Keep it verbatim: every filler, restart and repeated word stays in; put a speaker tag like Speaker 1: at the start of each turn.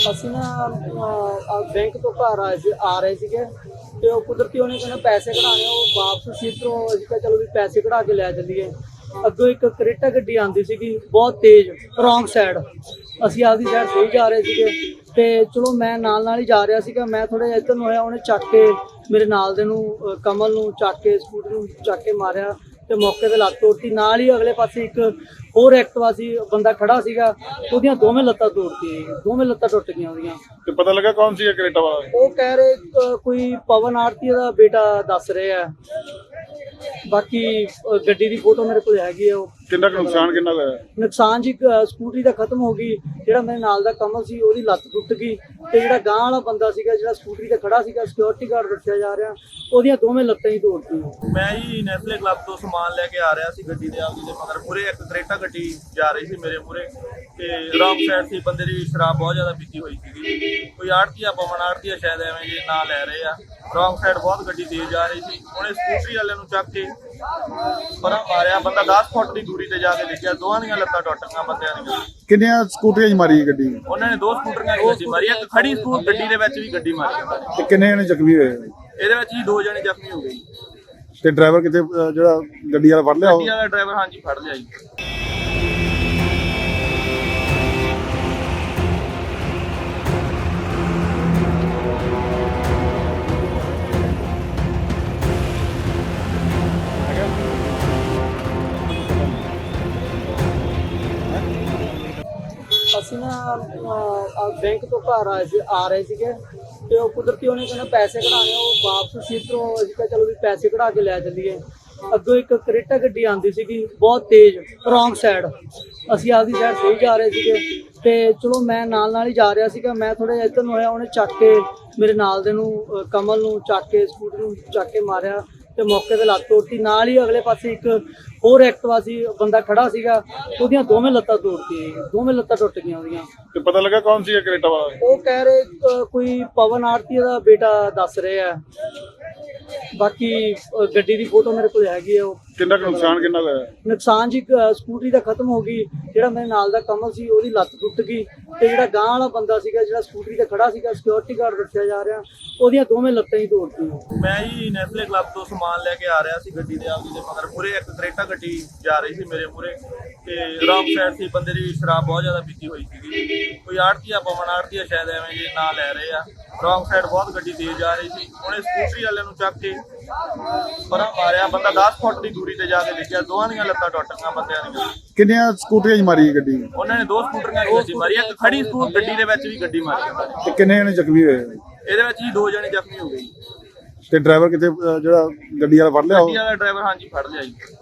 Speaker 1: ਅਸੀਂ ਨਾ ਅਹ, ਬੈਂਕ ਤੋਂ ਘਰ ਆਏ ਸੀ ਆ ਰਹੇ ਸੀਗੇ ਤੇ ਉਹ ਕੁਦਰਤੀ ਉਹਨੇ ਕਹਿੰਦਾ ਪੈਸੇ ਕਢਾਣੇ, ਉਹ ਵਾਪਸ ਸੀ ਤੋਂ ਅਸੀਂ ਕਿਹਾ ਚਲੋ ਵੀ ਪੈਸੇ ਕਢਾ ਕੇ ਲੈ ਚੱਲੀਏ। ਅੱਗੋਂ ਇੱਕ ਕਰੇਟਾ ਗੱਡੀ ਆਉਂਦੀ ਸੀਗੀ ਬਹੁਤ ਤੇਜ਼ ਰੋਂਗ ਸਾਈਡ, ਅਸੀਂ ਆਪਦੀ ਸਾਈਡ ਸਹੀ ਜਾ ਰਹੇ ਸੀਗੇ ਤੇ ਚਲੋ ਮੈਂ ਨਾਲ ਨਾਲ ਹੀ ਜਾ ਰਿਹਾ ਸੀਗਾ। ਮੈਂ ਥੋੜਾ ਜਿਹਾ ਇੱਧਰ ਨੂੰ ਹੋਇਆ, ਉਹਨੇ ਚੱਕ ਕੇ ਮੇਰੇ ਨਾਲ ਦੇ ਨੂੰ ਅਹ, ਕਮਲ ਨੂੰ ਚੱਕ ਕੇ ਸਕੂਟਰ ਨੂੰ ਚੱਕ ਕੇ ਮਾਰਿਆ ਤੇ ਮੌਕੇ ਤੇ ਲੱਤ ਤੋੜਤੀ। ਨਾਲ ਹੀ ਅਗਲੇ ਪਾਸੇ ਇੱਕ ਹੋਰ ਐਕਟਿਵਾ ਸੀ, ਬੰਦਾ ਖੜਾ ਸੀਗਾ, ਉਹਦੀਆਂ ਦੋਵੇਂ ਲੱਤਾਂ ਤੋੜਤੀ, ਦੋਵੇਂ ਲੱਤਾਂ ਟੁੱਟ ਗਈਆਂ ਉਹਦੀਆਂ।
Speaker 2: ਤੇ ਪਤਾ ਲੱਗਾ ਕੌਣ ਸੀ ਕਰੇਟਾ ਵਾਲਾ?
Speaker 1: ਉਹ ਕਹਿ ਰਹੇ ਅਹ, ਕੋਈ ਪਵਨ ਆਰਤੀ ਦਾ ਬੇਟਾ ਦੱਸ ਰਹੇ ਆ। ਬਾਕੀ ਅਹ, ਗੱਡੀ ਦੀ ਫੋਟੋ ਮੇਰੇ ਕੋਲ ਹੈਗੀ ਆ। ਉਹ
Speaker 2: ਕਿੰਨਾ ਕੁ ਨੁਕਸਾਨ ਕਿੰਨਾ ਕੁ ਹੋਇਆ?
Speaker 1: ਨੁਕਸਾਨ ਜੀ ਅਹ, ਸਕੂਟਰੀ ਦਾ ਖਤਮ ਹੋ ਗਈ, ਜਿਹੜਾ ਮੇਰੇ ਨਾਲ ਦਾ ਕਮਲ ਸੀ ਉਹਦੀ ਲੱਤ ਟੁੱਟ ਗਈ ਤੇ ਜਿਹੜਾ ਗਾਂਹ ਵਾਲਾ ਬੰਦਾ ਸੀਗਾ ਜਿਹੜਾ ਸਕੂਟਰੀ ਤੇ ਖੜਾ ਸੀਗਾ, ਸਿਕਿਉਰਿਟੀ ਗਾਰਡ ਰੱਖਿਆ ਜਾ ਰਿਹਾ, ਉਹਦੀਆਂ ਦੋਵੇਂ ਲੱਤਾਂ ਹੀ ਤੋੜਤੀਆਂ।
Speaker 3: ਮੈਂ ਜੀ ਨੈਸਲੇ ਕਲੱਬ ਤੋਂ ਸਮਾਨ ਲੈ ਕੇ ਆ ਰਿਹਾ ਸੀ ਗੱਡੀ ਦੇ ਆਪਦੀ ਦੇ ਮਗਰ ਮੂਰੇ ਇੱਕ ਕਰੇਟਾ ਗੱਡੀ ਜਾ ਰਹੀ ਸੀ ਮੇਰੇ ਮੂਰੇ ਤੇ ਰੌਂਗ ਸਾਈਡ ਸੀ। ਬੰਦੇ ਦੀ ਸ਼ਰਾਬ ਬਹੁਤ ਜ਼ਿਆਦਾ ਪੀਤੀ ਹੋਈ ਸੀਗੀ, ਕੋਈ ਆੜਤੀਆ ਪਵਨ ਆੜਤੀਆ ਸ਼ਾਇਦ ਐਵੇਂ ਜੇ ਨਾਂ ਲੈ ਰਹੇ ਆ। ਰੌਂਗ ਸਾਈਡ ਬਹੁਤ ਗੱਡੀ ਤੇਜ਼ ਜਾ ਰਹੀ ਸੀ, ਉਹਨੇ ਸਕੂਟਰੀ ਵਾਲੇ ਨੂੰ ਚੱਕ ਕੇ ਪਰਾਂ ਮਾਰਿਆ। ਬੰਦਾ ਦਸ ਫੁੱਟ ਦੀ ਦੂਰੀ ਤੇ ਜਾ ਕੇ ਦੇਖਿਆ, ਦੋਹਾਂ ਦੀਆਂ ਲੱਤਾਂ ਟੁੱਟ ਗਈਆਂ ਬੰਦਿਆਂ ਦੀਆਂ।
Speaker 2: ਕਿੰਨੀਆਂ ਸਕੂਟਰੀਆਂ 'ਚ ਮਾਰੀ ਗੱਡੀ?
Speaker 3: ਉਹਨਾਂ ਨੇ ਦੋ ਸਕੂਟਰੀਆਂ ਦੀ ਗੱਡੀ ਮਾਰੀ, ਇੱਕ ਖੜੀ ਸਕੂਟ ਗੱਡੀ ਦੇ ਵਿੱਚ ਵੀ ਗੱਡੀ ਮਾਰੀ।
Speaker 2: ਤੇ ਕਿੰਨੇ ਜਣੇ ਜ਼ਖਮੀ ਹੋਏ?
Speaker 3: ਇਹਦੇ ਵਿੱਚ ਹੀ ਦੋ ਜਣੇ ਜ਼ਖਮੀ ਹੋ ਗਏ।
Speaker 2: ਤੇ ਡਰਾਈਵਰ ਕਿਤੇ ਅਹ, ਜਿਹੜਾ ਗੱਡੀ ਵਾਲਾ ਫੜ ਲਿਆ ਉਹ?
Speaker 3: ਗੱਡੀ ਵਾਲਾ ਡਰਾਈਵਰ ਹਾਂਜੀ ਫੜ ਲਿਆ ਜੀ।
Speaker 1: ਅਸੀਂ ਨਾ ਅਹ, ਬੈਂਕ ਤੋਂ ਘਰ ਆਏ ਸੀ ਆ ਰਹੇ ਸੀਗੇ ਤੇ ਉਹ ਕੁਦਰਤੀ ਉਹਨੇ ਕਹਿੰਦਾ ਪੈਸੇ ਕਢਾਣੇ, ਉਹ ਵਾਪਸ ਸੀ ਤੋਂ ਅਸੀਂ ਕਿਹਾ ਚਲੋ ਵੀ ਪੈਸੇ ਕਢਾ ਕੇ ਲੈ ਚੱਲੀਏ। ਅੱਗੋਂ ਇੱਕ ਕਰੇਟਾ ਗੱਡੀ ਆਉਂਦੀ ਸੀਗੀ ਬਹੁਤ ਤੇਜ਼ ਰੋਂਗ ਸਾਈਡ, ਅਸੀਂ ਆਪਦੀ ਸਾਈਡ ਸਹੀ ਜਾ ਰਹੇ ਸੀਗੇ ਤੇ ਚਲੋ ਮੈਂ ਨਾਲ ਨਾਲ ਹੀ ਜਾ ਰਿਹਾ ਸੀਗਾ। ਮੈਂ ਥੋੜਾ ਜਿਹਾ ਇੱਧਰ ਨੂੰ ਹੋਇਆ, ਉਹਨੇ ਚੱਕ ਕੇ ਮੇਰੇ ਨਾਲ ਦੇ ਨੂੰ ਅਹ, ਕਮਲ ਨੂੰ ਚੱਕ ਕੇ ਸਕੂਟਰ ਨੂੰ ਚੱਕ ਕੇ ਮਾਰਿਆ ਤੇ ਮੌਕੇ ਤੇ ਲੱਤ ਤੋੜਤੀ। ਨਾਲ ਹੀ ਅਗਲੇ ਪਾਸੇ ਇੱਕ ਹੋਰ ਐਕਟਿਵਾ ਸੀ, ਬੰਦਾ ਖੜਾ ਸੀਗਾ, ਉਹਦੀਆਂ ਦੋਵੇਂ ਲੱਤਾਂ ਤੋੜਤੀ, ਦੋਵੇਂ ਲੱਤਾਂ ਟੁੱਟ ਗਈਆਂ ਉਹਦੀਆਂ।
Speaker 2: ਤੇ ਪਤਾ ਲੱਗਾ ਕੌਣ ਸੀ ਕਰੇਟਾ ਵਾਲਾ?
Speaker 1: ਉਹ ਕਹਿ ਰਹੇ ਅਹ, ਕੋਈ ਪਵਨ ਆਰਤੀ ਦਾ ਬੇਟਾ ਦੱਸ ਰਹੇ ਆ। ਬਾਕੀ ਅਹ, ਗੱਡੀ ਦੀ ਫੋਟੋ ਮੇਰੇ ਕੋਲ ਹੈਗੀ ਆ। ਉਹ
Speaker 2: ਕਿੰਨਾ ਕੁ ਨੁਕਸਾਨ ਕਿੰਨਾ ਕੁ ਹੋਇਆ?
Speaker 1: ਨੁਕਸਾਨ ਜੀ ਅਹ, ਸਕੂਟਰੀ ਦਾ ਖਤਮ ਹੋ ਗਈ, ਜਿਹੜਾ ਮੇਰੇ ਨਾਲ ਦਾ ਕਮਲ ਸੀ ਉਹਦੀ ਲੱਤ ਟੁੱਟ ਗਈ ਤੇ ਜਿਹੜਾ ਗਾਂਹ ਵਾਲਾ ਬੰਦਾ ਸੀਗਾ ਜਿਹੜਾ ਸਕੂਟਰੀ ਤੇ ਖੜਾ ਸੀਗਾ, ਸਿਕਿਉਰਿਟੀ ਗਾਰਡ ਰੱਖਿਆ ਜਾ ਰਿਹਾ, ਉਹਦੀਆਂ ਦੋਵੇਂ ਲੱਤਾਂ ਹੀ ਤੋੜਤੀਆਂ।
Speaker 3: ਮੈਂ ਜੀ ਨੈਸਲੇ ਕਲੱਬ ਤੋਂ ਸਮਾਨ ਲੈ ਕੇ ਆ ਰਿਹਾ ਸੀ ਗੱਡੀ ਦੇ ਆਪਦੀ ਦੇ ਮਗਰ ਮੂਰੇ ਇੱਕ ਕਰੇਟਾ ਗੱਡੀ ਜਾ ਰਹੀ ਸੀ ਮੇਰੇ ਮੂਰੇ ਤੇ ਰੌਂਗ ਸਾਈਡ ਸੀ। ਬੰਦੇ ਦੀ ਸ਼ਰਾਬ ਬਹੁਤ ਜ਼ਿਆਦਾ ਪੀਤੀ ਹੋਈ ਸੀਗੀ, ਕੋਈ ਆੜਤੀਆ ਪਵਨ ਆੜਤੀਆ ਸ਼ਾਇਦ ਐਵੇਂ ਜੇ ਨਾਂ ਲੈ ਰਹੇ ਆ। ਰੌਂਗ ਸਾਈਡ ਬਹੁਤ ਗੱਡੀ ਤੇਜ਼ ਜਾ ਰਹੀ ਸੀ, ਉਹਨੇ ਸਕੂਟਰੀ ਵਾਲੇ ਨੂੰ ਚੱਕ ਕੇ ਪਰਾਂ ਮਾਰਿਆ। ਬੰਦਾ ਦਸ ਫੁੱਟ ਦੀ ਦੂਰੀ ਤੇ ਜਾ ਕੇ ਦੇਖਿਆ, ਦੋਹਾਂ ਦੀਆਂ ਲੱਤਾਂ ਟੁੱਟ ਗਈਆਂ ਬੰਦਿਆਂ ਦੀਆਂ।
Speaker 2: ਕਿੰਨੀਆਂ ਸਕੂਟਰੀਆਂ 'ਚ ਮਾਰੀ ਗੱਡੀ?
Speaker 3: ਉਹਨਾਂ ਨੇ ਦੋ ਸਕੂਟਰੀਆਂ ਦੀ ਗੱਡੀ ਮਾਰੀ, ਇੱਕ ਖੜੀ ਸਕੂਟ ਗੱਡੀ ਦੇ ਵਿੱਚ ਵੀ ਗੱਡੀ ਮਾਰੀ।
Speaker 2: ਤੇ ਕਿੰਨੇ ਜਣੇ ਜ਼ਖਮੀ ਹੋਏ?
Speaker 3: ਇਹਦੇ ਵਿੱਚ ਹੀ ਦੋ ਜਣੇ ਜ਼ਖਮੀ ਹੋ ਗਏ।
Speaker 2: ਤੇ ਡਰਾਈਵਰ ਕਿਤੇ ਅਹ, ਜਿਹੜਾ ਗੱਡੀ ਵਾਲਾ ਫੜ ਲਿਆ ਉਹ?
Speaker 3: ਗੱਡੀ ਵਾਲਾ ਡਰਾਈਵਰ ਹਾਂਜੀ ਫੜ ਲਿਆ ਜੀ।